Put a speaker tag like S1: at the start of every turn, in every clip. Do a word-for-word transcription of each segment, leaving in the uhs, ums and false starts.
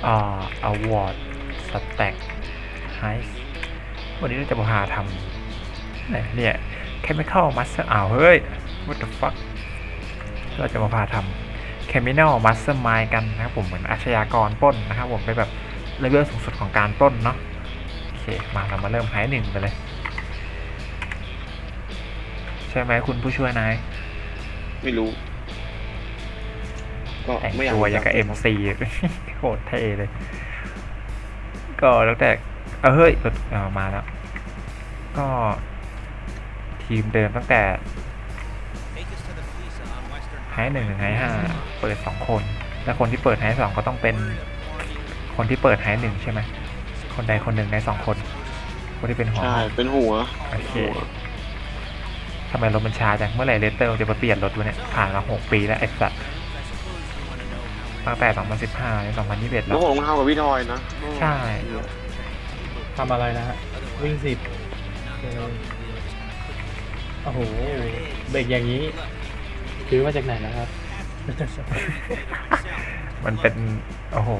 S1: อ่าอวอร์ดสแต็กไฮวันนี้เราจะมาหาทำเนี่ยแคมิคอลมัสเตอร์อ้าวเฮ้ย what the fuck เราจะมาพาทำแคมิคอลมัสเตอร์มายกันนะครับผมเหมือนอาชญากรปล้นนะครับผมไปแบบเลเวลสูงสุดของการปล้นเนาะโอเคมาเรามาเริ่มไฮหนึ่งไปเลยใช่ไหมคุณผู้ช่วยนาย
S2: ไม่รู้ก็
S1: แต่ง
S2: ไม่อยาก
S1: ตัวอย่างกับ เอ็ม ซี โคตรเท่เลย ก็แล้วแต่เออเฮ้ยเออมาแล้ว ก็ทีมเดิมตั้งแต่ไฮหนึ่งถึงไฮห้าเปิดสองคน และคนที่เปิดไฮสองก็ต้องเป็นคนที่เปิดไฮหนึ่งใช่ไหมคนใดคนหนึ่งในสองคน คนที่เป็นหัว
S2: ใช่เป็นหัว
S1: โอเคทำไมรถมันช้าจังเมื่อไหร่เลเตอร์จะมาเปลี่ยนรถวะเนี่ยผ่านมาหกปีแล้วไอ้สัตว์ตั้งแต่สองพันสิบห้าถึงสองพันยี่สิบเอ็ดแล้
S2: แล้ว วผมทำกับพี่ทอยนะ
S1: ใช่
S3: ทำอะไรนะฮะวิ่งสิบโอ้โหเบรกอย่างนี้ซื้อมาจากไหนนะครับ
S1: มันเป็นโอ้โห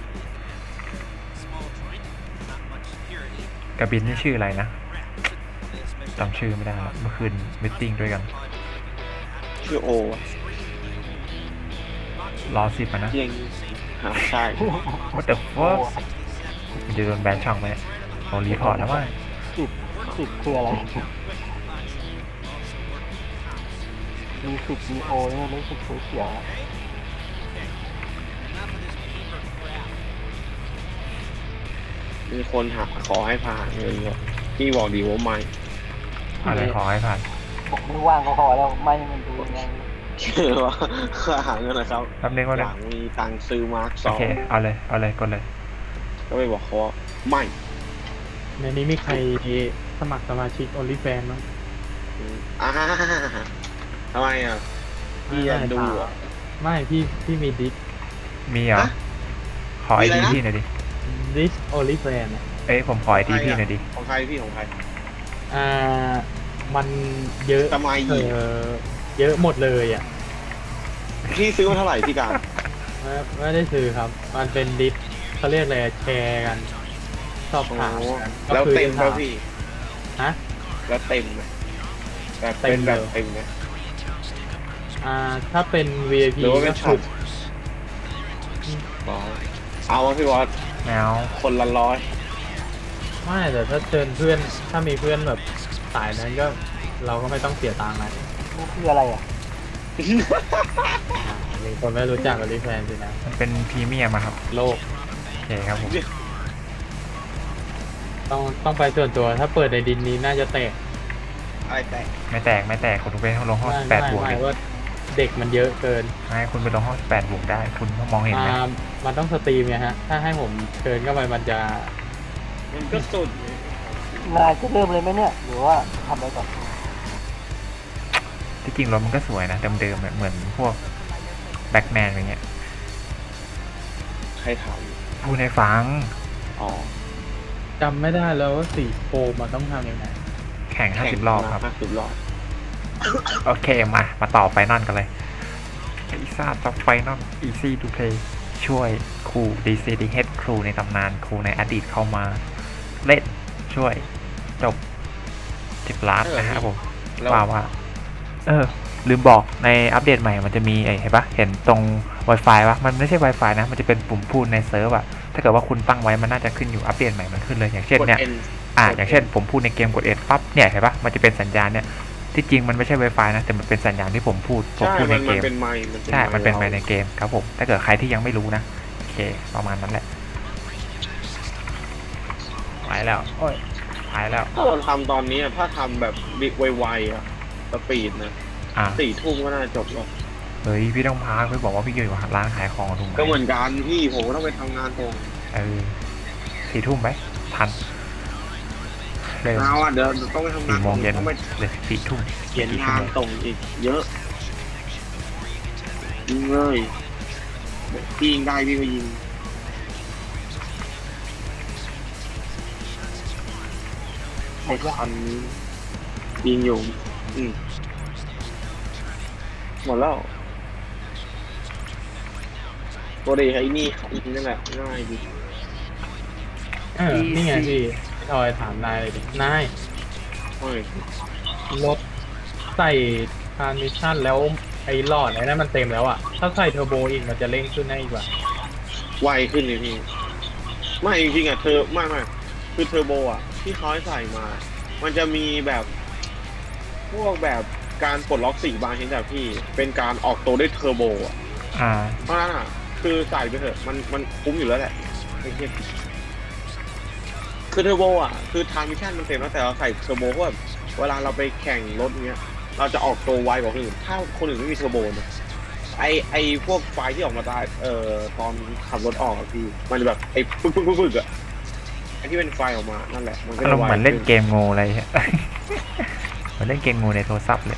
S1: กระบินนี่ชื่ออะไรนะจำชื่อไม่ได้เมื่อคืนมิทติ้งด้วยกัน
S2: ชื่อโอ
S1: รอสิบนะ
S2: ยังใช่
S1: What the fuck มันจะโดนแบนช่องไหมโอ้รีพอร์ตแล้วมั้ง
S3: สิบสิบคืออะไรมีสิบมีโอเนี่ยรู้สึกเสียว
S2: มีคนหาขอให้ผ่านเงินเนี่ยพี่บอกดีว่าไม่
S1: อะไรขอให้ผ่าน
S3: ผมไม่ว่างก็พอแล้วไม่มันดูยังไง
S2: คือว่าหาเงินนะครับ
S1: แป๊บนึงว่า
S2: อยากมีตังค์ซื้อมาร์คสอง
S1: โอเคเอาเลยเอาเลยกดเลย
S2: ก็ไปบอกเขาว่าไม่
S3: ในนี้มีใครสมัครสมาชิก OnlyFans มั้ง
S2: อ่าทำไมอ่ะพี่อยากดูอ่ะ
S3: ไม่พี่พี่มีดิส
S1: มีเหรอขอไอดีพี่หน่อยดิ
S3: ดิส OnlyFans
S1: เอ้ยผมขอไอดีพี่หน่อยดิ
S2: ของใครพี่ของใคร
S3: อ่ามันเยอะ
S2: ทำไม
S3: เออเยอะหมดเลยอ่ะ
S2: พี่ซื้อมาเท่าไหร่พี่การ
S3: ไม่ไม่ได้ซื้อครับมันเป็นดิสเขาเรียกอะไรแชร์กันชอบถามกัน
S2: แล้วเต็มป่ะพี่
S3: ฮะ
S2: แล้วเต็มไหมแบบเป็นแบบเต็มไหม
S3: อ่าถ้าเป็น วี ไอ พี
S2: หรือว่าเป็นช็อตเอาวะพี่วอส
S1: แมว
S2: คนละร้อย
S3: ไม่แต่ถ้าเชิญเพื่อนถ้ามีเพื่อนแบบสายนั้นก็เราก็ไม่ต้องเสียตังค์นะนี่คืออะไรอ่ะมีคนไม่รู้จักกับรีแฟนสินะ
S1: มันเป็นพรีเมียมครับ
S3: โลก
S1: โอเคครับผม
S3: ต้องต้องไปส่วนตัวถ้าเปิดในดินนี้น่าจะแตก
S2: อะไรแตก
S1: ไม่แตกไม่แตกคุณไปลงห้องสิบแปดบวก
S3: ไม่ว่าเด็กมันเยอะเกิน
S1: ไม่คุณไปลงห้องสิบแปดบวกได้คุณมองเห็นไหม
S3: มันต้องสตรีมไงฮะถ้าให้ผมเชิญเข้าไปมันจะ
S2: มันก็สุด
S3: นายจะเริ่มเลยไหมเนี่ยหรือว่าทำอะไรก่อน
S1: ที่จริงรถมันก็สวยนะเดิมๆเหมือนพวกแบ็คแมนอะไรเงี้ย
S2: ใครถาม
S1: พูดให้ฟัง
S2: อ๋อ
S3: จำไม่ได้แล้วว่าสีโฟมมันต้องทำยังไง
S1: แข่งห้าสิบรอบครับ
S2: ห้าสิบรอบ
S1: โอเคมามาต่อไฟนอลกันเลยอีซ่าจ็อบไฟนอลอีซี่ทูเพลย์ช่วยครูดีซีดีเฮดครูในตำนานครูในอดีตเข้ามาเล่นช่วยจบสิบล้านนะครับผมว่าว่าเออลืมบอกในอัปเดตใหม่มันจะมีไอ้เห็นปะเห็นตรง Wi-Fi ปะมันไม่ใช่ Wi-Fi นะมันจะเป็นปุ่มพูดในเซิร์ฟอะถ้าเกิดว่าคุณตั้งไว้มันน่าจะขึ้นอยู่อัปเดตใหม่มันขึ้นเลยอย่างเช่นเนี่ยอ่าอย่างเช่นผมพูดในเกมกด N ปั๊บเนี่ยเห็นปะมันจะเป็นสัญญาณเนี่ยที่จริงมันไม่ใช่ Wi-Fi นะแต่มันเป็นสัญญาณที่ผมพูดผมพูดในเกมใช่มันเป็นไมค์ในเกมครับผมถ้าเกิดใครที่ยังไม่รู้นะโอเคประมาณนั้นแหละไปแล้วโอ้ยไปแล้ว
S2: ถ้าเราทำตอนนี้ถ้าทำแบบบิ๊กไวๆอะสปีดนะสี่ทุ่มก็น่าจบแล้ว
S1: เฮ้ยพี่ต้องพักพี่บอกว่าพี่อยู่ร้านขายของถูกไหม
S2: ก็เหมือนกันพี่ผมก็ต้องไปทำงานตรง
S1: เออสี่ทุ่มไหมทัน
S2: เลยเอาอ่ะเดี๋ยวต้องไปทำงาน
S1: สี่โมงเย็นเลยสี่ทุ่ม
S2: เย็นงานตรงอีกเยอะยิงเลยพี่ยิงได้พี่ก็ยิงไอ้คันยิงอยู่อืมหมดแล้วตัวเดียไอ้นี่อีกนั่นแหละง่ายดี
S3: เออนี่ไงพี่พี่ทอยถามนายเลยดินาย
S2: โอ้ย
S3: รถใส่ทรานมิชชั่นแล้วไอ้หลอดไอ้นั่นมันเต็มแล้วอ่ะถ้าใส่เทอร์โบอีกมันจะเร่งขึ้นได้อีกว่า
S2: ไวขึ้นเลยพี่ไม่จริงๆอ่ะเธอไม่ไม่คือเทอร์โบอ่ะที่เขาให้ใส่มา มันจะมีแบบพวกแบบการปลดล็อกสี่บางชนิดแบบพี่เป็นการออกตัวด้วยเทอร์โบอ่ะ
S1: อ่า
S2: เพราะฉะนั้นอ่ะคือใส่ไปเถอะมันมันคุ้มอยู่แล้วแหละไอ้เหี้ยคือเทอร์โบอ่ะคือทางมิชชั่นมันเต็มแล้วแต่เราใส่เทอร์โบเพราะแบบเวลาเราไปแข่งรถเนี้ย เราจะออกตัวไวกว่าคนอื่นถ้าคนอื่นไม่มีเทอร์โบนะไอไอพวกไฟที่ออกมาได้เอ่อตอนขับรถออกอะพี่มันจะแบบไอปึ๊กปึ๊กปึ๊กปึ๊กอะไอที่เป็นไฟออกมานั่นแหละมันก็
S1: เรา
S2: จะไว
S1: เหมือนเล่นเก
S2: ขึ้
S1: มงูอะไรเงี้ย เหมือนเล่นเกมงูในโทรศัพท์เลย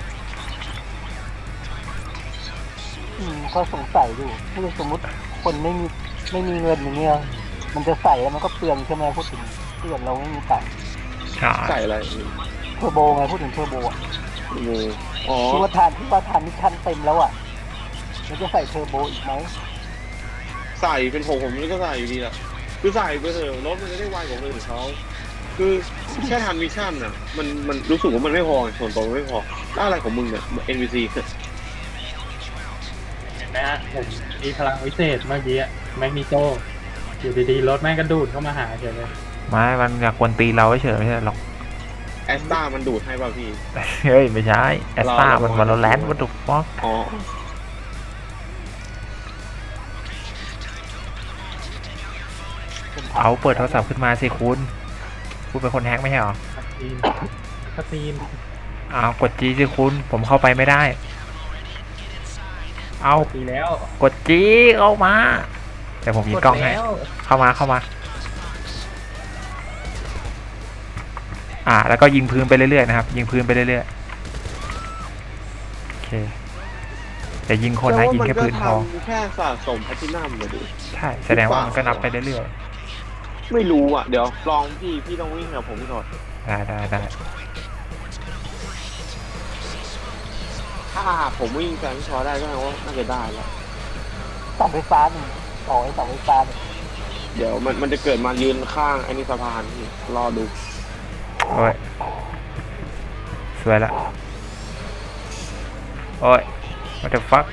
S4: อืมก็สงสัยอยู่ถ้าสมมติคนไม่มีไม่มีเงินอย่างเงี้ยมันจะใส่แล้วมันก็เปลืองใช่ไหมพูดถึงเปลืองเราไม่มีตังค์
S1: ใช่
S2: ใส่อะไร
S4: เทอร์โบไงพูดถึงเทอร์โบอ่ะ
S2: งูอ๋อ
S4: ที่ว่าทานที่ว่าทานมิชชั่นเต็มแล้วอ่ะมันจะใส่เทอร์โบอีกไหม
S2: ใส่เป็นผมผมก็ใส่อยู่ดีแหละคือใส่ไปเถอะรถมันจะได้ไวกว่าคนอื่นเขาคือแค่ทันมิชชั่นอ่ะมันมันรู้สึกว่ามันไม่พอส่วนตัวมันไม่พอแล้วอะไรของมึงเนี่ย เอ็น พี ซี
S3: เห็นไหมฮะผมมีพลังวิเศษเมื่อกี้อะแมกนิโตอยู่ดีๆรถแม่งกระดูดเข้ามาหาเฉยเลย
S1: ไม่มันอยากกวนตีเราเฉยๆไม่ใช่หรอก
S2: แอสตามันดูดให้ป่ะพี่
S1: เฮ้ย ไม่ใช่แอสตา
S2: เรา
S1: มัน
S2: เรา
S1: วันโลแลนด์วัตถุฟอก
S2: อ๋อ
S4: เป็น
S1: เอาเปิดโทรศัพท์ขึ้นมาสิคุณคุณเป็นคนแฮกไม่ใช่หรอ
S3: คัสซีนคัสซีน
S1: เอากดจีสิคุณผมเข้าไปไม่ได้ เอา
S3: ดีแล้ว
S1: กดจีเข้ามาแต่ผมยิงกล้องให้
S3: แล้ว
S1: เข้ามาเข้ามา อ่า แล้วก็ยิงพื้นไปเรื่อยๆนะครับ ยิงพื้นไปเรื่อยๆโอเคแต่ยิงคนนะยิงแค่พื้นพอ
S2: มันก็ทำแค่สะสมแพลตินัมเลยดิ
S1: ใช่แสดงว่ามันก็นับไปเรื่อย
S2: ไม่รู้อ่ะ เดี๋ยวลองพี่ พี่ต้องวิ่งกับผมก่อน
S1: ๆได้ได้ได้
S2: ถ้าผมวิ่งแซงพี่ชอได้ก็แปลว่าน่าจะได้แล้ว
S4: เสาไฟฟ้าหนึ่งต่อไอ้เสาไฟฟ้าเนี่ย
S2: เดี๋ยวมันมันจะเกิดมายืนข้างไอ้นี่สะพานพี่รอดู
S1: โอ้ยสวยละโอ้ย what the fuck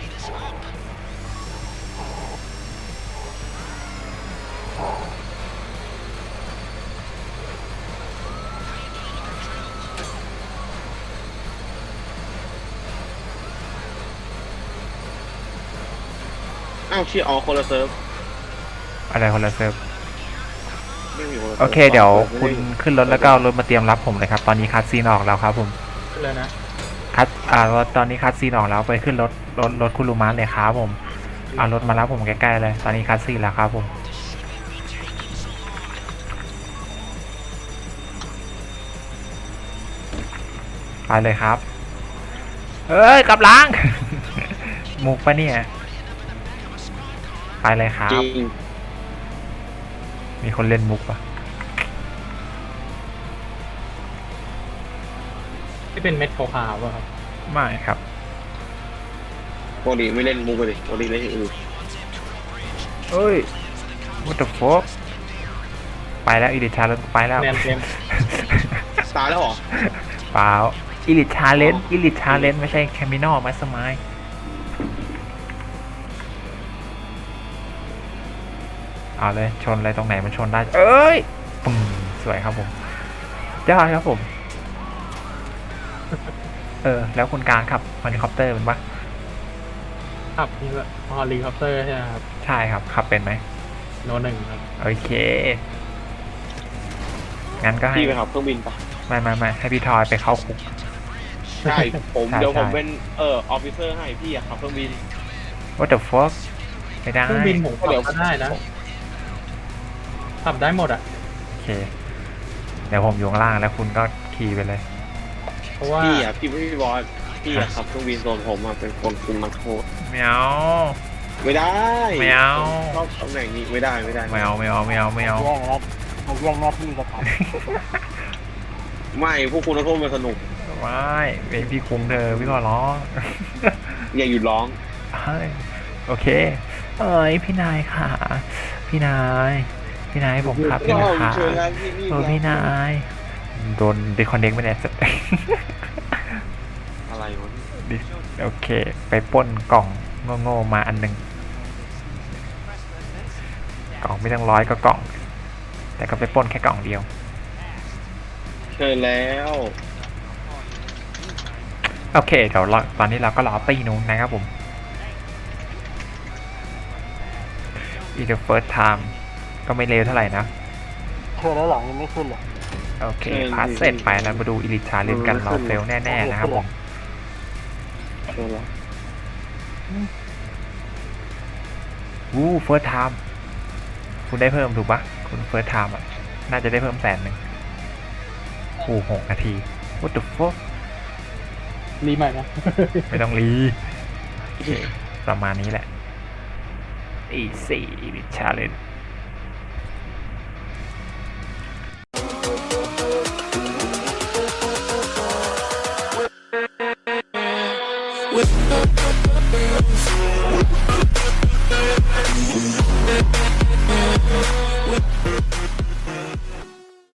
S2: อ้าวชื่ออ๋อคนละเซิร์ฟ
S1: อะไรคนละเซิร์ฟ
S2: ไม่มีคนละซิร์ฟ
S1: โอเคเดี๋ยว
S2: ไม่
S1: คุณ
S2: ได้
S1: ขึ้นรถแล้วก็เอารถมาเตรียมรับผมเลยครับ ตอนนี้คัสซีนออกแล้วครับผม
S3: ขึ้นเลยนะ
S1: คัสอ่ารถตอนนี้คัสซีนออกแล้วไปขึ้นรถรถรถคุณลูมานเลยครับผมเอารถมารับผมใกล้ๆเลย ตอนนี้คัสซีนแล้วครับผมไปเลยครับเอ้ยกลับหล้าง มุกปะเนี่ยไปเลยครั
S2: จ
S1: บ
S2: ริง
S1: มีคนเล่นมุกปะ
S3: ที่เป็นเม็ดขาวๆป่ะครับ
S1: ไม่ครับ
S2: ปกติไม่เล่นมุกเลยปกติเล่นอย่างอื่น
S1: เอ้ย what the fuck ไปแล้วอีลิทชาเลนไปแล้ว
S3: แนนเต็ม
S2: ตายแล้วเหรอ
S1: เปล่าอีลิทชาเลนอีลิทชาเลนไม่ใช่แคมินอลมาสมายเอาเลยชนอะไรตรงไหนมันชนได้ เอ้ยปึ้งสวยครับผมยอดครับผม เออ แล้วคุณการขับเฮลิคอปเตอร์เป็นปะ
S3: ขับนี่ก็ฮอลลีคอปเตอร์ใช่ไหมครับ
S1: ใช่ครับ ขับเป็นไหม
S3: โนหนึ่งครับ
S1: โอเค งั้นก็ให้
S2: พี่ไปขับเครื่องบินปะ
S1: ไม่ไม่ไม่ให้พี่ทอยไปเข้าคุก
S2: ใช่ผม
S1: ใช่
S2: เดี๋ยวผม
S1: ใช่
S2: เป็นเอ่อออฟฟิเซอร์ให้พี่อะขับเครื่องบิน
S1: what the fuck ไม่ได้
S3: เครื่องบินผมขับ
S2: เดี๋ยว
S3: ก็ได้นะขับได้หมดอ่ะ
S1: โอเค เดี๋ยวผมอยู่ข้างล่างแล้วคุณก็ขี่ไปเลย
S3: เพราะว่า
S2: พี่อะพี่พี่บอสพี่อะขับเครื่องบินส่วนผมอะเป็นคนคุมนักโทษ
S1: ไม่เอา
S2: ไม่ได้
S1: ไม่เอา
S2: ชอบตำแหน่งนี้ไม่ได้ไม่ได้
S1: ไม่เอาไม่เอาไม่เอาไม่เอา
S4: แย่งแล้วมาแย่งหน้าที่กันครับ
S2: ไม่พวกคุณนักโทษมันสนุก
S1: ไม่เป็นพี่คุ้มเธอพี่ขอร้อง
S2: อย่าหยุดร้อง
S1: เฮ้ยโอเคเอ้ยพี่นายค่ะ พี่นาย พี่นายผมขับ
S2: ก็
S1: พี่นายค่ะ
S2: เชิญแล้วพี่นี่
S1: เออพี่นาย โดนดิคอนเน็กไม่ได้สัก
S2: อะไรวะเนี่ย
S1: โอเค ไปปล้นกล่องโง่ๆมาอันหนึ่งกล่องไม่ต้องร้อยก็กล่อง แต่ก็ไปปล้นแค่กล่องเดียว
S2: เชิญแล้ว
S1: โอเคเดี๋ยวเราตอนนี้เราก็รอตีนู้นนะครับผม อีก the first time ก็ไม่เร็วเท่าไหร่นะ
S4: เชิญแล้วเหรอยังไม่ขึ้นเลย
S1: โอเคพาสเสร็จไปแล้วมาดูอิลิชาลินกันเราเฟลแน่ๆนะครับผม
S2: เชิญแล้ว
S1: วู้เฟิร์สไทม์คุณได้เพิ่มถูกปะคุณเฟิร์สไทม์อ่ะ น่าจะได้เพิ่มแสนหนึ่งโอ้หกนาที what the fuck
S3: รีใหม่นะ
S1: ไม่ต้องรีโอเคประมาณนี้แหละ อีสี่อิลิชาลิน